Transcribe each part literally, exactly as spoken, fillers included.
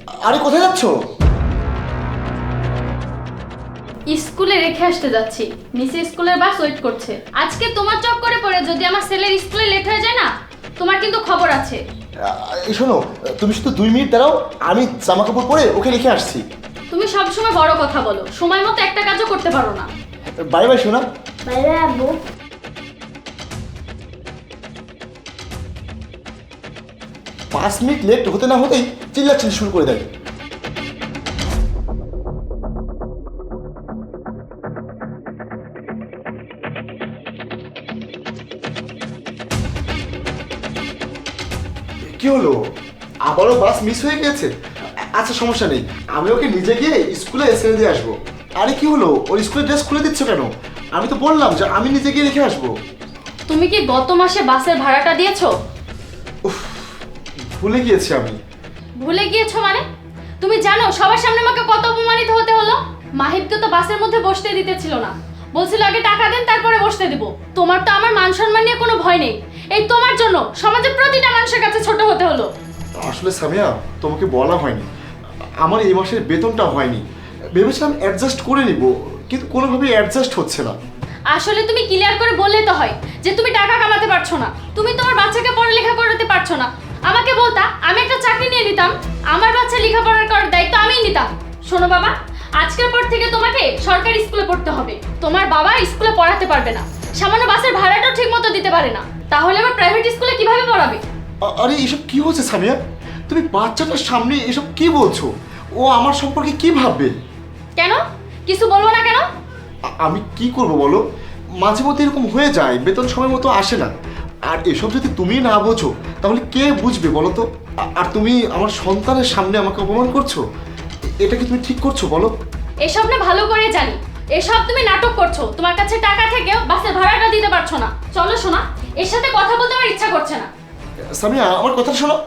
আরে কোথায় যাচ্ছ? স্কুলে রেখে আসতে যাচ্ছি, নিচে স্কুলের বাস ওয়েট করছে। আজকে তোমার চক্করে পড়ে যদি আমার ছেলের স্কুলে লেট হয়ে যায় না, তোমার কিন্তু খবর আছে। এই শোনো, তুমি শুধু দুই মিনিট দাঁড়াও, আমি জামা কাপড় পরে ওকে রেখে আসছি। তুমি সবসময় বড় কথা বলো, সময় মতো একটা কাজও করতে পারো না। বাই বাই শোনা। বাই বাই আব্বু। পাঁচ মিনিট লেট হতে না হতেই চিল্লাচিল্লি শুরু করে দেয়। কি হলো, আবারও বাস মিস হয়ে গেছে? আচ্ছা সমস্যা নেই, আমি ওকে নিজে গিয়ে স্কুলে ছেড়ে দিয়ে আসবো। আরে কি হলো, ওর স্কুলের ড্রেস খুলে দিচ্ছ কেন? আমি তো বললাম যে আমি নিজে গিয়ে রেখে আসবো। তুমি কি গত মাসে বাসের ভাড়াটা দিয়েছো? উফ, ভুলে গিয়েছি আমি। ভুলে গিয়েছো মানে? তুমি জানো সবার সামনে আমাকে কত অপমানিত হতে হলো? মাহিবকে তো বাসের মধ্যে বসতে দিতেছিল না, বলছিল আগে টাকা দেন তারপরে বসতে দিব। তোমার তো আমার মান সম্মান নিয়ে কোনো ভয় নেই, এই তোমার জন্য সমাজের প্রতিটা মানুষের কাছে ছোট হতে হলো। আসলে সামিয়া, তোমাকে বলা হয়নি, আমার এই মাসের বেতনটা হয়নি। ভেবেছিলাম অ্যাডজাস্ট করে নিব, কিন্তু কোনোভাবেই অ্যাডজাস্ট হচ্ছে না। আসলে তুমি ক্লিয়ার করে বললে তো হয় যে তুমি টাকা কামাতে পারছো না, তুমি তোমার বাচ্চাকে পড়ালেখা করাতে পারছো না। আমাকে বলতা, আমি একটা চাকরি নিয়ে নিতাম, আমার বাচ্চা লেখাপড়া করার দায়িত্ব আমিই নিতাম। শোনো বাবা, আজকের পর থেকে তোমাকে সরকারি স্কুলে পড়তে হবে। তোমার বাবা স্কুলে পড়াতে পারবে না, সামান্য বাসের ভাড়াটাও ঠিক মতো দিতে পারে না, তাহলে আবার প্রাইভেট স্কুলে কিভাবে পড়াবে? আ- আরে এসব কি হচ্ছে সামিয়া? তুমি বাচ্চাটার সামনে এসব কি বলছো? ও আমার সম্পর্কে কি ভাববে? কেন কিছু বলবো না কেন? আ- আমি কি করব বলো, মাঝে মধ্যে এরকম হয়ে যায়, বেতন সময় মতো আসে না। আর এসব যদি তুমি না বোঝো তাহলে কে বুঝবে বলো তো? আ- আর তুমি আমার সন্তানের সামনে আমাকে অপমান করছো, এটা কি তুমি ঠিক করছো বলো? এসব না ভালো করে জানি, এসব তুমি নাটক করছো। তোমার কাছে টাকা থেকেও বাসের ভাড়াটা দিতে পারছো না। চলো শোনা, এর সাথে কথা বলতে আমার ইচ্ছা করছে না। সামিয়া, আমার কথা শোনো।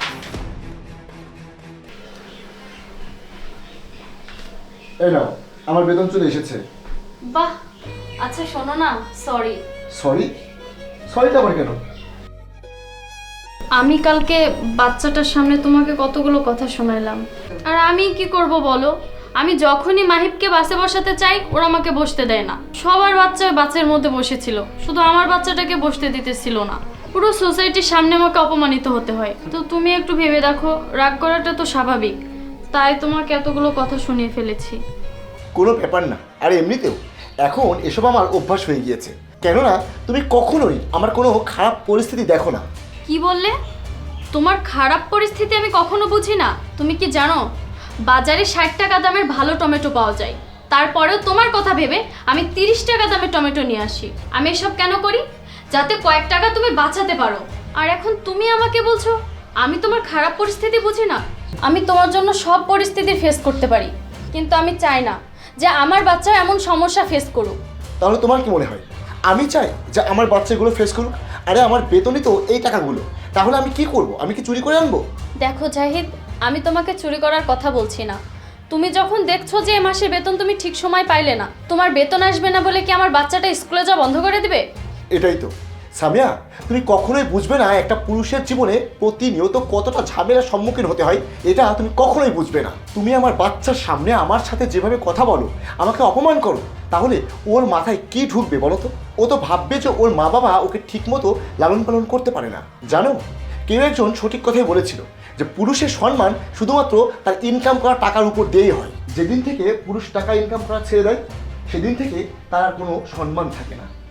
এই নাও, আমার বেতন চলে এসেছে। বাহ, আচ্ছা শোনো না, সরি। সরি? সরিটা আবার কেন? আমি কালকে বাচ্চাটার সামনে তোমাকে কতগুলো কথা শোনাইলাম, আর আমি কি করব বলো? আমি যখনই মাহিবকে বাসে বসাতে চাই ওরা আমাকে বসতে দেয় না। সবার বাচ্চা বাসের মধ্যে বসেছিল, শুধু আমার বাচ্চাটাকে বসতে দিতেছিল না। পুরো সোসাইটির সামনে আমাকে অপমানিত হতে হয়। তো তুমি একটু ভেবে দেখো, রাগ করাটা তো স্বাভাবিক, তাই তোমাকে এতগুলো কথা শুনিয়ে ফেলেছি। কোনো ব্যাপার না, আর এমনিতেও এখন এসব আমার অভ্যাস হয়ে গিয়েছে। কেননা তুমি কখনোই আমার কোনো খারাপ পরিস্থিতি দেখো না। কি বললে? তোমার খারাপ পরিস্থিতি আমি কখনো বুঝি না। তুমি কি জানো, বাজারে ষাট টাকা দামের ভালো টমেটো পাওয়া যায়, তারপরেও তোমার কথা ভেবে আমি তিরিশ টাকা দামের টমেটো নিয়ে আসি। আমি এসব কেন করি? যাতে কয়েক টাকা তুমি বাঁচাতে পারো। আর এখন তুমি আমাকে বলছো আমি তোমার খারাপ পরিস্থিতি বুঝি না? আমি তোমার জন্য সব পরিস্থিতি ফেস করতে পারি, কিন্তু আমি চাই না যে আমার বাচ্চা এমন সমস্যা ফেস করুক। তাহলে তোমার কি মনে হয় আমি চাই যে আমার বাচ্চাগুলো ফেস করুক? আরে আমার বেতনই তো এই টাকাগুলো, তাহলে আমি কি করব? আমি কি চুরি করে আনবো? দেখো জাহিদ, আমি তোমাকে চুরি করার কথা বলছি না। তুমি যখন দেখছো যে এ মাসের বেতন তুমি ঠিক সময় পাইলে না, তোমার বেতন আসবে না বলে কি আমার বাচ্চাটা স্কুলে যাওয়া বন্ধ করে দিবে? এটাই তো সামিয়া, তুমি কখনোই বুঝবে না একটা পুরুষের জীবনে প্রতিনিয়ত কতটা ঝামেলার সম্মুখীন হতে হয়। এটা তুমি কখনোই বুঝবে না। তুমি আমার বাচ্চার সামনে আমার সাথে যেভাবে কথা বলো, আমাকে অপমান করো, তাহলে ওর মাথায় কি ঢুকবে বলো তো? ও তো ভাববে যে ওর মা বাবা ওকে ঠিকমতো লালন পালন করতে পারে না। জানো, কেউ একজন সঠিক কথাই বলেছিল যে পুরুষের সম্মান শুধুমাত্র তার ইনকাম করা টাকার উপর দিয়েই হয়। যেদিন থেকে পুরুষ টাকা ইনকাম করা ছেড়ে দেয়, সেদিন থেকে তার আর কোনো সম্মান থাকে না।